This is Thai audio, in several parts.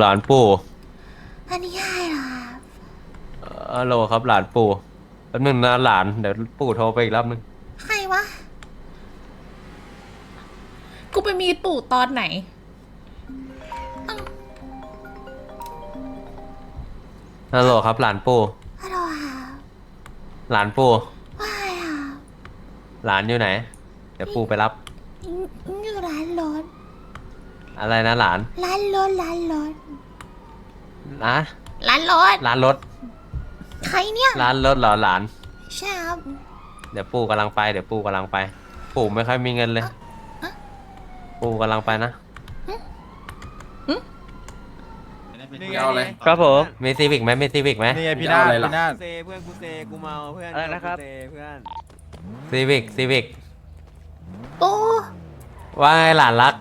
านปู่อันนี้ใครเหรอครับฮัลโหลครับหลานปู่แป๊บนึงนะหลานเดี๋ยวปู่โทรไปอีกรอบนึงใครวะกูไปมีปู่ตอนไหนฮัลโหลครับหลานปู่ฮัลโหลครับหลานปู่ว่าไงครับหลานอยู่ไหน เดี๋ยวปู่ไปรับอยู่ร้านรถอะไรนะหลานร้านรถร้านรถนะร้านรถร้านรถใครเนี่ยร้านรถเหรอหลานใช่ครับเดี๋ยวปู่กำลังไปเดี๋ยวปู่กำลังไป ปู่ไม่ค่อยมีเงินเลย ปู่กำลังไปนะนี่เอาเลยครับผมมีซีวิกไหมมีซีวิกไหมนี่ไงพี่นาฏพี่นาฏเซเพื่อนกูเซกูเมาเพื่อนอะไรนะครับเซเพื่อนซีวิกซีวิกปูว่าไงหลานรัก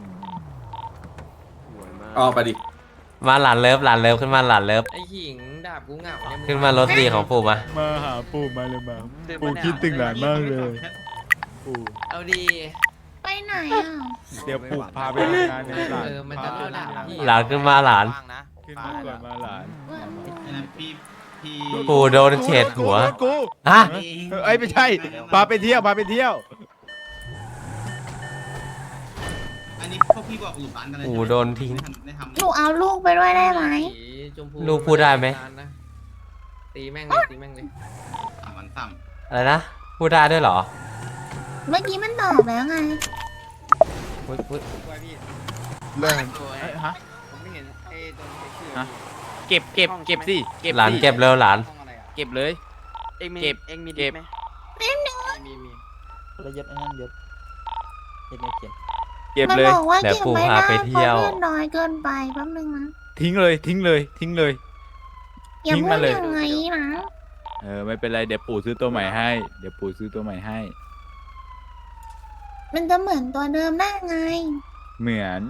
ออกไปดิมาหลานเลิฟหลานเลิฟขึ้นมาหลานเลิฟไอ้หิงดาบกูเหงาเนี่ยมึงขึ้นมารถดีของปู่มามาหาปู่มาเลยมาปู่คิดถึงหลานมากเลยปู่เอาดีไปไหนอ่ะเดี๋ยวปู่พาไปทำงานในหลานมันจะเอาดาบพี่หลานขึ้นมาหลานขึ้นมาก่อนมาหลานปู่โดนเฉดหัวกูฮะเอ้ยไม่ใช่พาไปเที่ยวพาไปเที่ยวอันนี้พวกพี่บอกหลุดร้านกันเลยปู่โดนทิ้งได้ทำหนูเอาลูกไปด้วยได้ไหมสีชมพูลูกพูดได้ไหมตีแม่งเลยตีแม่งเลยสามวันซ้อะไรนะพูดได้ด้วยเหรอเมื่อกี้มันตอบแล้วไงอุ๊ยอุ๊ยเรื่องฮะผมไม่เห็นไอ้ตรงไอ้ชื่อฮะ เก็บสิเก็บหลานสิเก็บเร็วหลานห้องอะไรอ่ะเก็บเลยเอ็งมีเก็บเอ็งมีเก็บไหมแป๊บนึงมีระยศไอ้นั่นยศเฮ็ดไม่เขียนเก็บมันเลยบอกว่าเดี๋ยวเก็บปู่ไม่พาได้ไปเพเที่ยวราะเลือดน้อยเกินไปแป๊บนึงนะทิ้งเลยทิ้งเลยทิ้งเลยอย่าทิ้งพูมาดเลยอย่างนี้นะไม่เป็นไรเดี๋ยวปู่ซื้อตัวใหม่ให้เดี๋ยวปู่ซื้อตัวใหม่ให้มันจะเหมือนตัวเดิมได้ไงเหมือน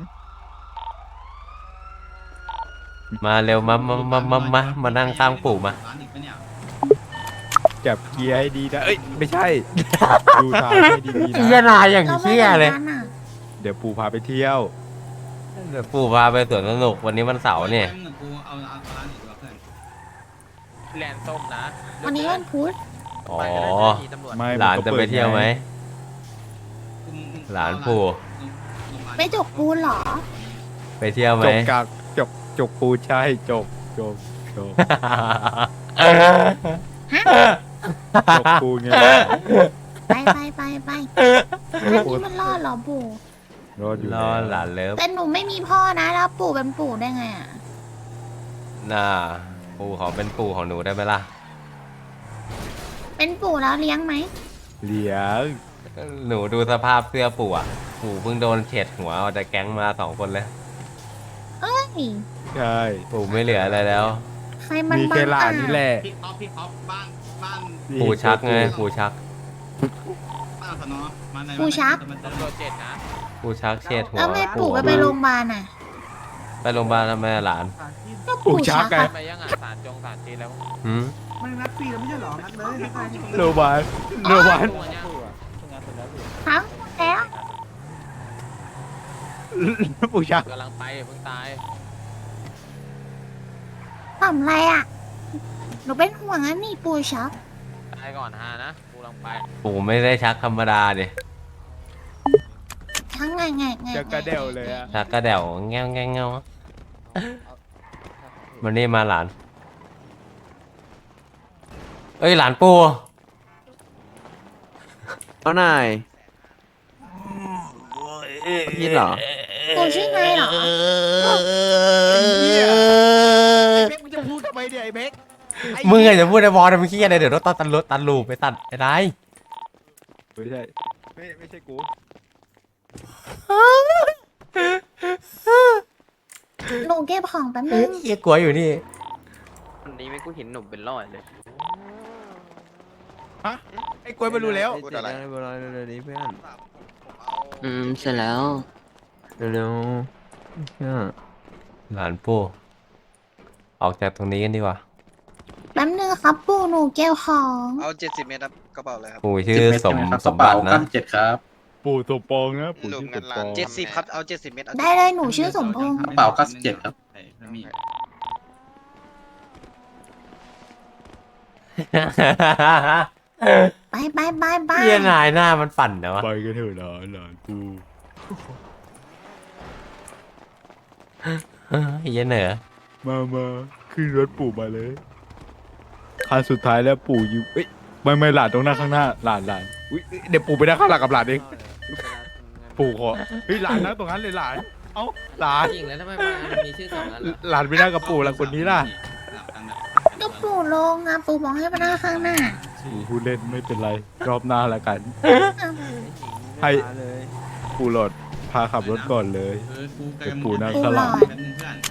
มาเร็วมานั่งข้างปู่มาร้านอีกปะเนี่ยจับเกียร์ให้ดีนะเอ้ยไม่ใช่ ดูทางให้ดีๆเชี่ยนะนายอย่างเราไม่เชี่ยเหมืเลอย นกันอ่ะเดี๋ยวปู่พาไปเที่ยวเดี๋ยวปู่พาไปสวนสนุกวันนี้วันเสาร์เนี่ยแป๊บนึงกูเอาร้านอีกดีกว่าเพื่อนแลนส้มนะวันนี้วันพุธอ๋อไปก็ได้นะมีตำรวจไม่หลานจะไปเที่ยวไหมมึงหลานปู่โรงพยาบาลไปจกปูนเหรอไปเที่ยวไหมจบกากจบปูใช่จบจบปูไงไปอันนี้มันรอดเหรอปู่รอดอยู่รอหลานเลิฟแต่หนูไม่มีพ่อนะแล้วปู่เป็นปู่ได้ไงอ่ะน่าปู่ขอเป็นปู่ของหนูได้ไหมล่ะเป็นปู่แล้วเลี้ยงไหมเลี้ยงหนูดูสภาพเสื้อปู่อ่ะ ปู่เพิ่งโดนเฉดหัวออกจากแก๊งมา2 คนเลยเฮ้ยใช่ปู่ไม่เหลืออะไรแล้วใครมันมีบ้าแค่หลานนี่แหละพี่ท็อปบ้านปู่ชักไงปู่ชักบ้านสนอมาในตำรวจ7นะปู่ชักเฉดหัวแล้วไม่ปู่ไปโรงพยาบาลอ่ะไปโรงพยาบาลทำไมอะหลานก็ปู่ชักไงอะไปยังอ่ะศาลจีนแล้วหืมมันนัดฟรีแล้วไม่ใช่หรอนัดเลยนัดเลยโรบานโรบานตัวเนี่ยทั้งแล้วปู่ชักกำลังไปเพิ่งตายทำไรอ่ะ หนูเป็นห่วงอันนี่ปู่ชักตายก่อนฮานะกูกำลังไปปู่ไม่ได้ชักธรรมดาดิทั้งไงจะกระเดี่ยวเลยอะชักกระเดี่ยวแง่ววันนี้มาหลาน เอ้ยหลานปู่เอาหน่อยพี่เหรอปู่ชื่อไงเหรอเบกมึงจะพูดทำไมเนี่ยไอ้เบกมึงอะจะพูดในบอลมึงขี้อะไรเดี๋ยวต้องตัดลูปไปตัดไอ้ไรไม่ใช่ไม่ใช่กูหนูเก็บของแป๊บนึงเหี้ยกลัวอยู่นี่วันนี้ไม่กูเห็นหนุ่มเป็นร้อยเลยฮะไอ้กล้วยไม่รู้แล้วพูดอะไรเร็วๆนี้เพื่อนเสร็จแล้วเร็วหลานปู่ออกจากตรงนี้กันดีกว่าแป๊บนึงครับปู่หนูเก็บของเอา70 เมตรครับกระเป๋าเลยครับปู่ชื่อสมบัตินะปู่สมปองนะปู่ชื่อสมปอง 70ครับเอา70 เมตรได้เลยหนูชื่อสมพงษ์กระเป๋า97ครับแล้วมีไปไปไปไปเหี้ยนายหน้ามันปั่นนะวะไปกันเถอะหลานกูเหี้ยเหนือมาขึ้นรถปู่มาเลยคันสุดท้ายแล้วปู่อยู่เอ้ยไม่หลานตรงหน้าข้างหน้าหลานอุ้ยเดี๋ยวปู่ไปนั่งข้างหลังกับหลานเองปู่ขอเฮ้ยหลานนั่งตรงนั้นเลยหลานเอ้าหลานจริงแล้วทำไมมันมีชื่อสองนั้นล่ะหลานไปนั่งกับปู่แล้วคนนี้ล่ะสลับกันแบบก็ปู่ลงอ่ะปู่บอกให้มานั่งข้างหน้าปู่พูดเล่นไม่เป็นไรรอบหน้าละกัน ให้มาเลยปู่หลอดพาขับรถก่อนเลยกูกเดี๋ยวปู่นั่งปู่ข้างหหลลัอง ดแป๊บนึงเพื่อน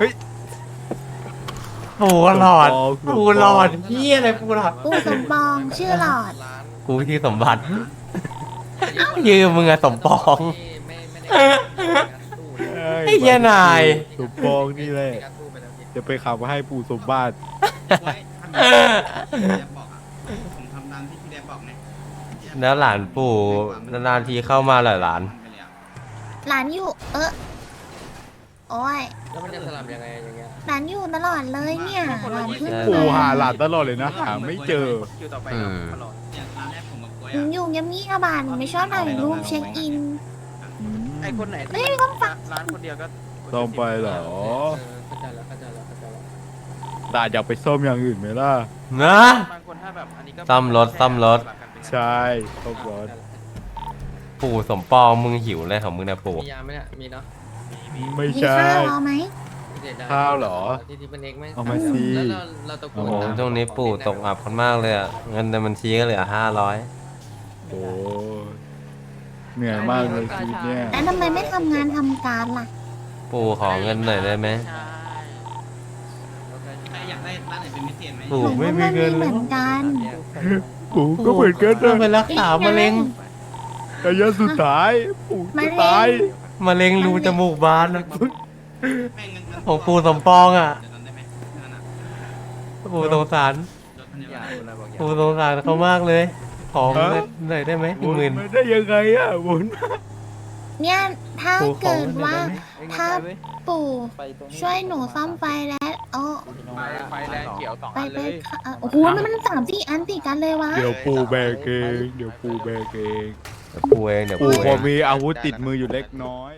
ปูหลอดสมปองปูหลอดเหี้ยอะไรปูหลอดปู่สมปองชื่อหลอดกูที่สมบัติยืมมึงอะสมปองไม่ได้ตู้ไอ้เหี้ยนายสมปองนี่แหละการตู้ไปแล้วพี่จะไปขับให้ปู่สมบัติไว้ทำแบบที่พี่แดบบอกอ่ะผมทำตามที่พี่แดบบอกเนี่ยแล้วหลานปู่นานๆทีเข้ามาเหรอหลานหลานอยู่ โอ้ยแล้วมันจะสลับยังไงอย่างเงี้ยหลานอยู่ตลอดเลยเนี่ยหลานขึ้นปู่หาหลานตลอดเลยนะหาไม่เจอคิวต่อไปอืครับมตลอดเนี่ยร้านแรกผมกับกล้วยหนูอ่ะอยู่เงียบงี้กระบาดไม่ชอบถ่ายรูปเช็คอินไอคนไหนเฮ้ยมีคนฟังร้านคนเดียวก็ต้องไปเหรอเข้าใจแล้วเข้าใจแล้วเข้าใจแล้วหลานอยากไปซ่อมอย่างอื่นไหมล่ะนะบางคนถ้าแบบอันนี้ก็ซ่อมรถซ่อมรถใช่ซ่อมรถปู่สมปองมึงหิวเลยของมึงนะปู่มียาไหมเนี่ยมีเนาะไม่มีใช่ข้าวรอไหมเด็ดได้ข้าวเหรอที่เป็นเอกไหมเอามาสิแล้วเราตะโกโอ้นโหตามช่วงนี้ปู่ตกอับกันมากเลยอะเงินในบัญชีก็เหลือโอ้เหนื่อยมากเลยชีวิตเนี่ยแล้วทำไมไม่ทำงานทำการล่ะ 500ปู่ขอเงินหน่อยได้ไหมใช่ใครอยากได้ร้านไหนเป็นพิเศษไหมปู่หนูไม่ก็มีไม่เงิมีนเหเลมืยอนกันปู่ก็เหมือนกันต้องนะไปรักษามะเร็งระยะสุดท้ายปู่จะตายมะเร็งรูจมูกบานอะแม่งเงินของปู่สมปองอะเดี๋ยวนั้นได้ไหมนั่นน่ะปู่สงสารรถคันเดียวอย่ากันอะไรบอกอย่าปู่สงสารเขามากเลย ขอเงินหน่อยได้ไหมบุญหมื่นไม่ได้ยังไงอ่ะบุญเนี่ยถ้าปู่ขอเกิดเงินหน่ว่าอยได้ไหมเอ้ยงั้นถ้าไปเว้ยปู่ไปตรงนี้ช่วยหนูซ่อมไฟแล้วโอ้ไฟแรงเขียวสองไปอันไปเลยโอ้โหมัน3-4 อันติดกันเลยวะเดี๋ยวปู่แบกเองเดี๋ยวปู่แบกเองเดี๋ยวปู่เองเดี๋ยวปู่ปู่พเออง มีอาวุธติดมืออยู่เล็กน้อย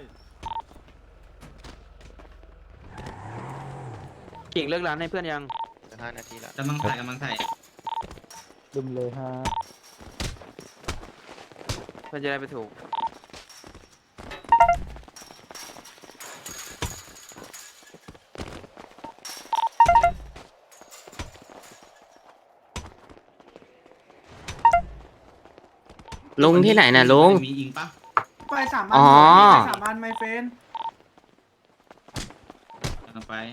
กิ่งเลิกร้านให้เพื่อนยัง 5 นาทีละกำลังถ่ายกำลังถ่ายดึมเลยฮะเพื่อนจะได้ไปถูกลุงที่ไหนน่ะลุงมีอิงปะไป3 อันอ๋อไป3 อันไมเฟนกำลังไป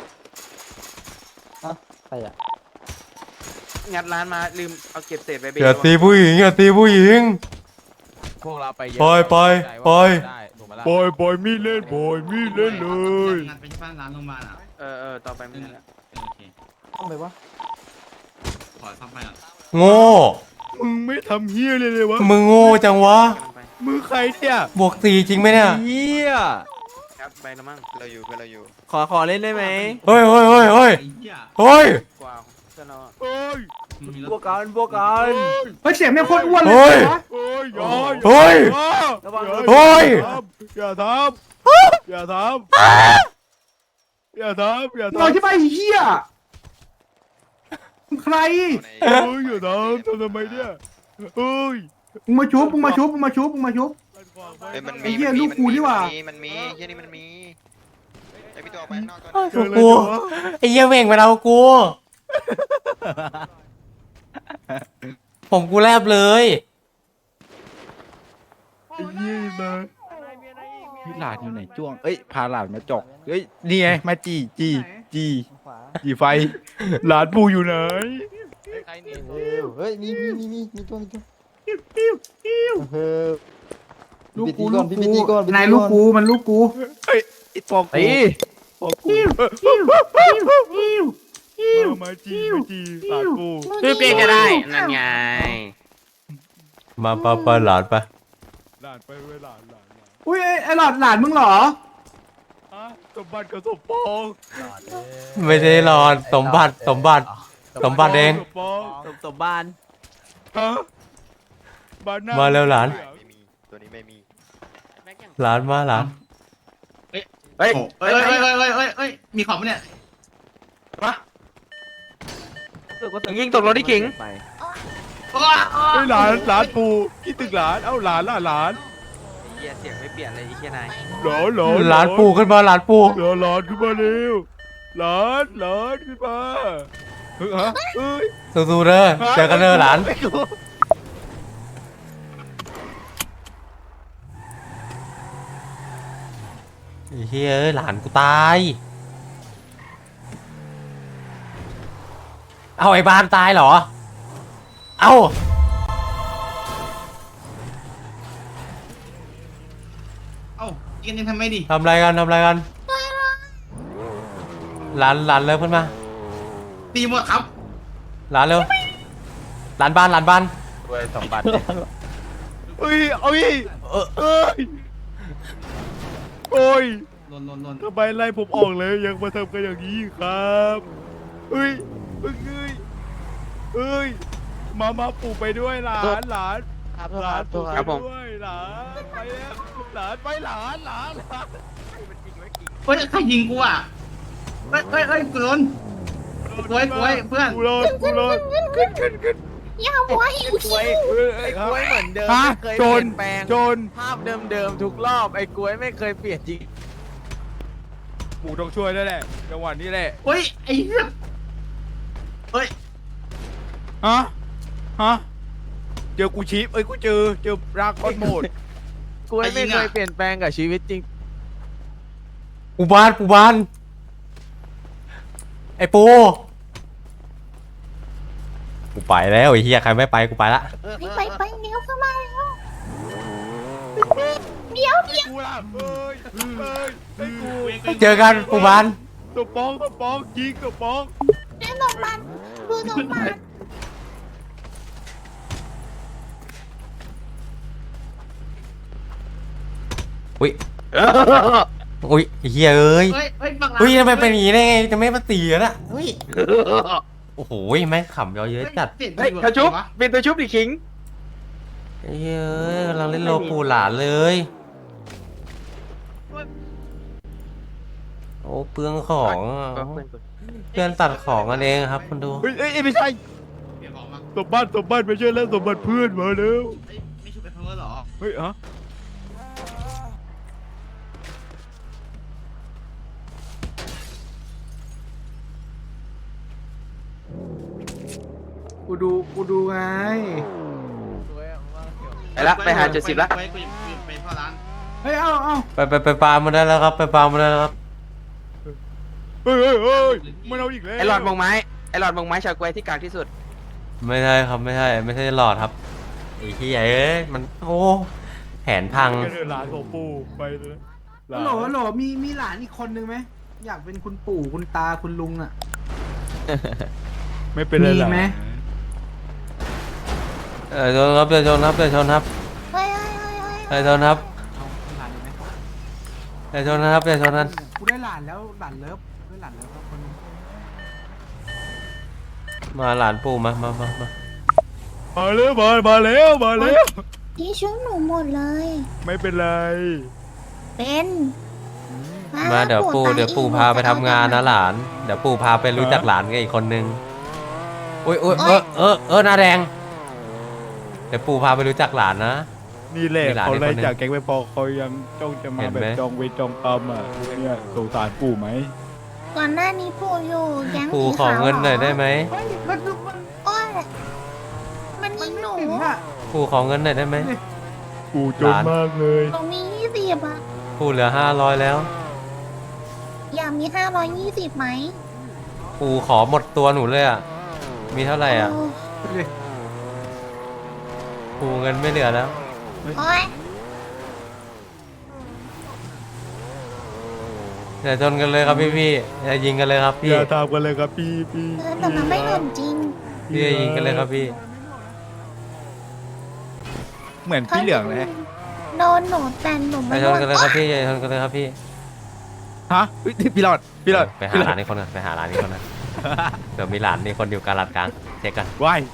ใครอ่ะงัดร้านมาลืมเอาเก็บเศษไปเบรอย่าตีผู้หญิงอย่าตีผู้หญิงพวกเราไปเยอะปล่อยปล่อยปล่อยได้ถูกไหมล่ะบอยมีดเล่นบอยมีดเล่นเลยงานไปที่บ้านร้านโรงพยาบาลอ่ะต่อไปไม่ได้แล้วโอเคต้องไปวะขอซ่อมไฟก่อนโง่มึงไม่ทำเฮี้ยเลยเลยวะมึงโง่จังวะกำลังไปมือใครเนี่ยบวก4จริงไหมเนี่ยเฮียครับไปแล้วมั้งเราอยู่ขอเล่นได้ไหมเฮ้ยเฮ้ยเฮ้ยเฮ้ยไอ้เหี้ยเฮ้ยกว่าเพื่อนเราอะโอ้ยมึงมีรบวถกกันบวกกันเฮ้ยเสียงไม่งโคตรอ้วนเลเฮ้ยยวะโอ้ยอย่าเฮ้ยระวังเฮ้ยอย่าทำอย่าทำอย่าทำอย่าเราทำที่ไปเฮียมึงใครโอ้ยอย่าทำทำไมเนี่ยเอ้ยมึงมาชุบมึงมาชุบมึงมาชุบมึงมาชุบเฮ้ยมันไอ้เหี้ยลูกกูนี่หว่ามันมีเฮียนี่มันมีไอพี่ตัวออกไปข้างนอกก่อนโอ้ยกูไอ้เหี้ยเว่งไปเอากู ผมกูแลบเลยไอ้ยี่นะพี่หลานอยู่ไหนจ้วงเอ้ยพาหลานมาจกเฮ้ยนี่ไงมาจีขวาจีไฟหลานปู่อยู่ไหนใครหนีเฮ้ยมีตัวเออลูกพี่กูตีก่อนพี่ตีก่อนนายลูกกูมันลูกกูเฮ้ยไอ้ปองตีปองกูมาจีหลานปู่ชื่อเปียกก็ได้นั่นไงมาปะหลานปะหลานไปเว้ยหลานอุ้ยไอ้หลอดหลานมึงเหรอฮะสมบัติกับสมปองไม่ใช่หลอดสมบัติเองสมปองสมบ้านฮะบ้านหน้ามาเร็วหลานไม่มีตัวนี้ไม่มีหลานมาหลานเฮ้ยเฮ้ยมีของปะเนี่ยยิงตกรถที่ขิงไปเฮ้ยหลานปู่คิดถึงหลานเอ้าหลานล่ะหลานเหี้ยเสียงไม่เปลี่ยนเลยไอ้เหี้ยนายหลานปู่ขึ้นมาหลานปู่หลานขึ้นมาเร็วหลานขึ้นมาเฮ้ยฮะเอ้ยสู้ๆเด้อเจอกันเด้อหลานไอ้กูไอ้เฮ้ยเอ้ยหลานกูตาย เอาไอ้บ้านตายเหรอ เอาเอ้ากินยังทำไม่ดีทำอะไรกันหลานเร็วขึ้นมาตีหมดครับหลานเร็วหลานบ้านด้วยสมบัติเอ้ยเอาอีกเอ้ยโอ้ยลนทำไมไล่ผมออกเลยยังมาทำกันอย่างนี้ครับเอ้ยมาปู่ไปด้วยหลาน ปู่ไปด้วยหลานไปแล้วหลานไปหลานเฮ้ยใครยิงกูอ่ะเฮ้ยกูโดนกล้วยเพื่อนกูรอดขึ้นอย่าหัวหิวคิวไอ้กล้วยเหมือนเดิมฮะไม่เคยโจเปรลี่ยนแปลงโจรภาพเดิมๆทุกรอบไอ้กล้วยไม่เคยเปลี่ยนจริงปู่ต้องช่วยได้แหละจังหวะนี้แหละเฮ้ยไอ้เหี้ยเฮ้ยฮะเจอกูชีพกูเจอรากก้อนโหมดกล้วยไม่เคยเปลี่ยนแปลงกับชีวิตจริงปูบานไอ้ปูกูไปแล้วไอ้เฮียใครไม่ไปกูไปละไปเดี๋ยวเข้ามาแล้วเดี๋ยวกูล่ะกูเจอกันปูบานตัวปองยิงตัวปองเดี๋ยวสมบัติดูสมบัติอุ้ยไอ้เฮียเอ้ยเฮ้ยบังเฮ้ยทำไมเป็นอย่างนี้ได้ไงจะไม่มาตีกันอะเฮ้ยโอ้โหแม่งขำเยอะเยอะจัดเฮ้ยเขาชุบเป็นตัวชุบดิขิงไอ้เฮ้ยกำลังเล่นโลปูหลานเลย โอ้เปลืองของอะเพื่อนตัดของกันเองครับคุณดูเฮ้ยไม่ใช่เดี๋ยวบอกมาสมบัติไม่ใช่แล้วสมบัติเพื่อนมาแล้วไม่ชุบไปเพิ่มหรอเฮ้ยฮะกูดูไงไปละไปหาจุด10ละไปพ่อร้านเฮ้ยเอาไปฟาร์มมาได้แล้วครับไปฟาร์มมาได้แล้วครับเฮ้ยมันเอาอีกแล้วไอ้หลอดมงไม้ชาวกล้วยที่กลางที่สุดไม่ใช่ครับไม่ใช่หลอดครับไอ้ที่ใหญ่เอ้ยมันโอ้แผนพังกระเดินหลานของปู่ไปเลยหลานฮัลโหลมีหลานอีกคนนึงไหมอยากเป็นคุณปู่คุณตาคุณลุงอ่ะไม่เป็นไรหลานมีไหมชนครับเดี๋ยวชนครับเฮ้ยชนครับเอาหลานเลยไหมเดี๋ยวชนครับนั้นกูได้หลานแล้วหลานเลิฟได้หลานเลิฟแล้วคนนึงมาหลานปู่มามาแล้วมาแล้วที่ชุบหนูหมดเลยไม่เป็นไรเป็นมาเดี๋ยวปู่พาไปทำงานนะหลานเดี๋ยวปู่พาไปรู้จักหลานกันอีกคนนึงอุ้ยหน้าแดงเดี๋ยวปู่พาไปรู้จักหลานนะนี่แหละมีหลานเขาไล่อีกคนหนึ่งจากแก๊งไม่พอเขายังจ้องจะมาเห็นแบบไหมจองเวรจองกรรมอ่ะเนี่ยสงสารปู่ไหมก่อนหน้านี้ปู่อยู่แก๊งปู่สีขอขาวเงินหน่อยได้ไหมเฮ้ยมันดูมันโอ้ยมันยิงหนูถึงอ่ะปู่ขอเงินหน่อยได้ไหมปู่จนมากเลยหนูมี20อ่ะปู่เหลือ500แล้วอยากมี520ไหมปู่ขอหมดตัวหนูเลยอ่ะมีเท่าไหร่อ่ะโปู่เงินไม่เหลือแล้วโอ้ยอย่าชนกันเลยครับพี่อย่ายิงกันเลยครับอพี่ย่าทำกันเลยครับพี่แต่มันไม่หล่นจริงพี่อย่ายิงกันเลยครับพี่เหมือนพี่เหลืองเลยโดนหนูแต่หนูอไม่ย่าชโดนนกันเลยครับพี่อย่าชนกันเลยครับพี่ฮะเฮ้ยพี่หลอดไปหาร้านนี้คนกันไปหาร้านนี้คนกันเดี๋ยวมีร้านนี้คนอยู่กาลาดกลางเช็คกันว้าย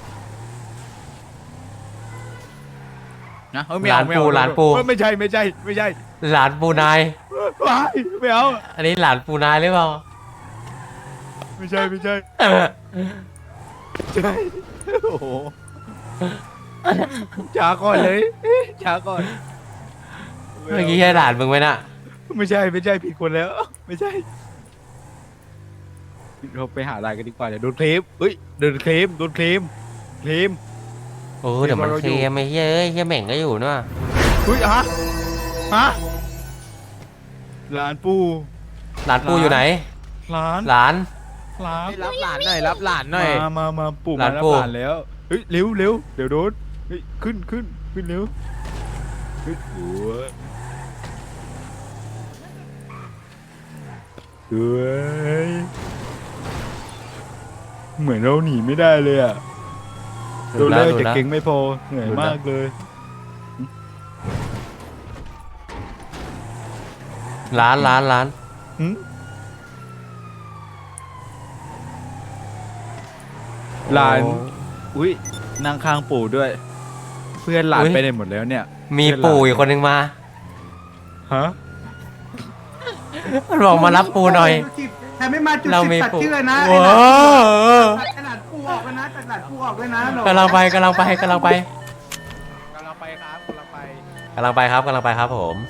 นะไม่เอาร้านปูร้านปูไม่ใช่ร้านปูนายว้ายไม่เอาอันนี้ร้านปูนายหรือเปล่าไม่ใช่โอ้โหช้าก่อนเลยช้าก่อนเมื่อกี้ใช่ร้านมึงไหมน่ะไม่ใช่ผิดคนแล้ว ไม่ใช่เราไปหาอะไรกันดีกว่าเดี๋ยวโดนเคลมเฮ้ยโดนเคลมโอ้เดี๋ยวมันเคมไอ้เฮ้ยเฮ้ยเหม่งก็อยู่เนอะเฮ้ยฮะร้านปูร้านปูอยู่ไหนร้านร้านรับหลานหน่อยรับหลานหน่อยมาปูร้านปูร้านแล้วเฮ้ยเร็วเดี๋ยวโดนเฮ้ยขึ้นเร็วเฮ้ยโอ้ยเฮ้ยเหมือนเราหนีไม่ได้เลยอ่ะโดนไล่แต่เก่งไม่พอเหนื่อยมากเลยร้านหึหลานอุ้ยนั่งข้างปู่ด้วย เพื่อนหลานไปไหนหมดแล้วเนี่ยมีปู่อีกคนนึงมาฮะมันบอกมารับปูหน่อยใครไม่มาจุดเราสิบมีตัดปู่ชื่อเลยนะโอ้โหตัดหลานปูออกเลยนะตัดหลานปูออกเลยนะกำลังไปครับกำลังไปผม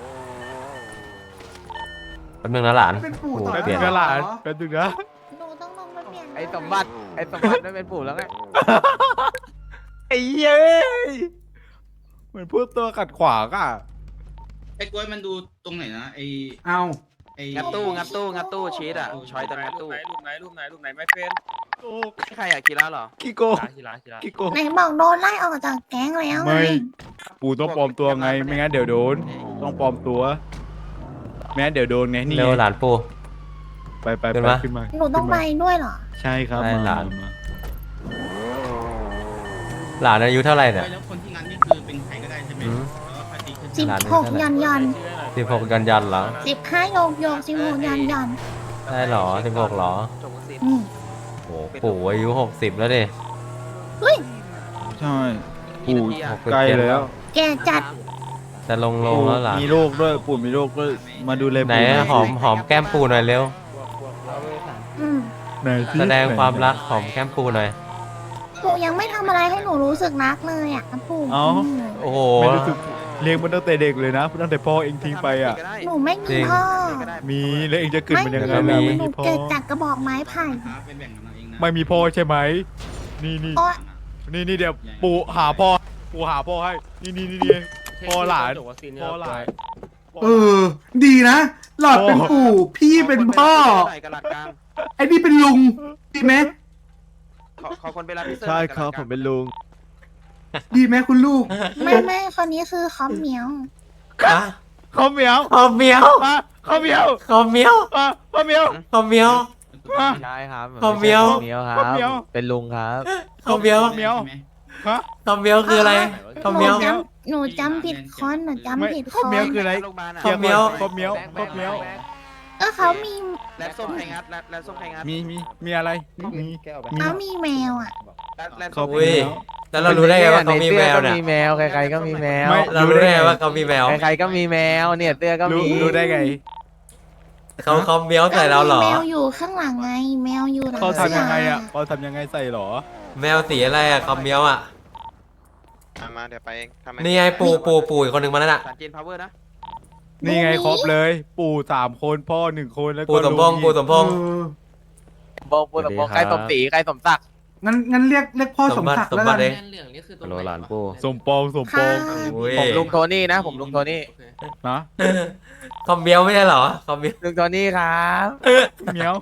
แป๊บนึงนะหลานเป็นปู่โอ้ต่อโหแป๊บเปนึลี่ยนงนะหลานแป๊บนึงนะหนูต้องลงมาเปลี่ยนไอ้สมบัติไม่เป็นปู่แล้วไงไอ้เย้ยเหมือนพวกตัวขัดขวางอ่ะไอ้กล้วยมันดูตรงไหนนะไอ้เอาไอ้งัดตู้ชีสอ่ะชอยตอนงัดตู้รูปไหนไม่เป็นโอ้ใครอยากกินแล้วเหรอกิโกทีละกิโกไหนบอกโดนไล่ออกจากแก๊งแล้วไงไม่ ปู่ต้องปลอมตัวไงไม่งั้นเดี๋ยวโดน ต้องปลอมตัวไม่งั้นเดี๋ยวโดนไงนี่เร็วหลานปูไปขึ้นมาขึ้นมาหนูต้องไปด้วยเหรอใช่ครับได้หลานมาหลานอายุเท่าไหร่เนี่ยแล้วคนที่งั้นนี่คือเป็นใครก็ได้ใช่ไหมอืมแล้วก็ตีขึ้นสิบหลานหกยันยัน 16ยันเหรอ 15โยกโยก16ยันยันได้เหรอ16เหรออืมโอ้ปู่อายุ60แล้วดิเฮ้ยใช่ปู่ใกล้แล้วแกจัดจะลงแล้วหลานมีโรคด้วยปู่มีโรคด้วยมาดูแลไหนปู่หอมแก้มปูหน่อยเร็วอืมไหนสิแสดงความรักหอมแก้มปูหน่อยปู่ยังไม่ทำอะไรให้หนูรู้สึกรักเลยอ่ะปู่เอ้าโอ้โหไม่รู้สึกเลี้ยงมันตั้งแต่เด็กเลยนะตั้งแต่พ่อเองทิ้งไปอ่ะหนูไม่จริมีงพ่อมีแล้วเองจะเกิดมันยังไงก็มีล่ะหไม่นูมีพ่อเกิดจากกระบอกไม้ไผ่ไปแบ่งกันเอาเองนะไม่มีพ่อใช่ไหมนี่โอ๊ยเดี๋ยวปู่หาพ่อให้นี่พ่อหลานพ่อหลานเออ ดีนะ หลอดเป็นปู่พี่เป็นพ่อกระหลักกลางไอ้นี่เป็นลุงดีไหมขอคนไปรับพี่เซอร์ใช่ครับผมเป็นลุงดีไหมคุณลูกไม่คนนี้คือคอมเหมียวอะข้าวเหมียวขอมเมียวมาข้าวเหมียวขอมเมียวมาข้าวเหมียวขอมเมียวมาใช่ครับข้าวเหนียวเหนียวครัข้าวเหนียวบเป็นลุงครับขอมเมียวเหมียวใช่ไหมฮะขอมเมียวคืออะไรขอมเมียวหนูจำผิดคนหนูไม่จำผิดคข้าวเหมียวน คืออะไรโรงพยาบาลอ่ะข้าวเหนียวข้าวเหมียวข้าวเหมียวเขามีแลบส้มใครงัดแลบส้มใครงัดมีอะไรมีเขามีแมวอ่ะแลบข้าส้วมเหมียวแล้วเรารู้ได้ไงว่าเขามีแมวก็เนี่ยมีแมวใครๆก็มีแมวไม่เรารู้ได้ไงว่าเขามีแมวใครๆก็มีแมวเนี่ยเตื้อก็มีรู้ได้ไงเขาเมียวใส่เราเหรอแมวอยู่ข้างหลังไง แมวอยู่หลังเขาเสื้ทำยังไงอ่ะเขาทำยังไงใส่หรอแมวสีอะไรอะเขาเมียวอะมาเดี๋ยวไปเองทำไมนี่ไงปูอีกคนหนึ่งมาแล้วน่ะสารเจนพาวเวอร์นะนี่ไงครบเลย ปู่3 คนพ่อ1 คนแล้วก็ปูสมพงษ์ลุปูสมพงษ์บงปูตะบงใครสมศรีใครสมศักดิ์งั้นเรียกพ่อสมศักดิ์แล้วสมบักัตินเองโลหลานปูสมปองค่ะอุ้ยผมลุงโทนี่นะผมลุงโทนี่นะเขาเมียวไม่ใช่เหรอเขาเมียวลุงโทนี่ครับเหมียว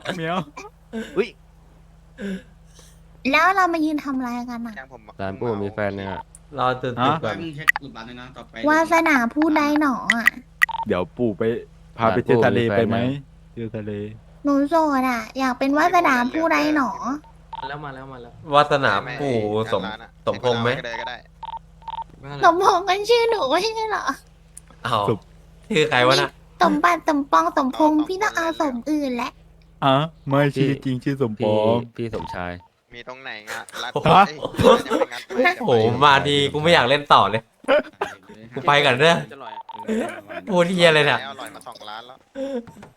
แล้วเรามายืนทำอะไรกันอ่ะยังผมหลานปูมีแฟนเนี่ยรอตื่นไปก่อนมึงเช็คอุดบัตรเลยนะต่อไปวาสนาผู้ใดหนออ่ะเดี๋ยวปู่ไปพาไปเที่ยวทะเลไปไหมเที่ยวทะเลหนูโสดอ่ะ อยากเป็นวาสนาผู้ใดหนอแล้วมาแล้ววาสนาปู่สมพงษ์ไหมสมพงษ์กันชื่อหนูไม่ใช่เหรออ้าวชื่อใครวะน่ะสมบัติสมปองสมพงษ์พี่ต้องเอาสมอื่นแหละอ่ะไม่ชื่อจริงชื่อสมปพี่องพี่สมชายมีตรงไหนงะรัดฮะโอ้โหมาดีกูไม่อยากเล่นต่อเลย กูไปก่อนเด้อ พูดเฮียเลยเนี่ยอร่อยมา2 ล้านแล้ว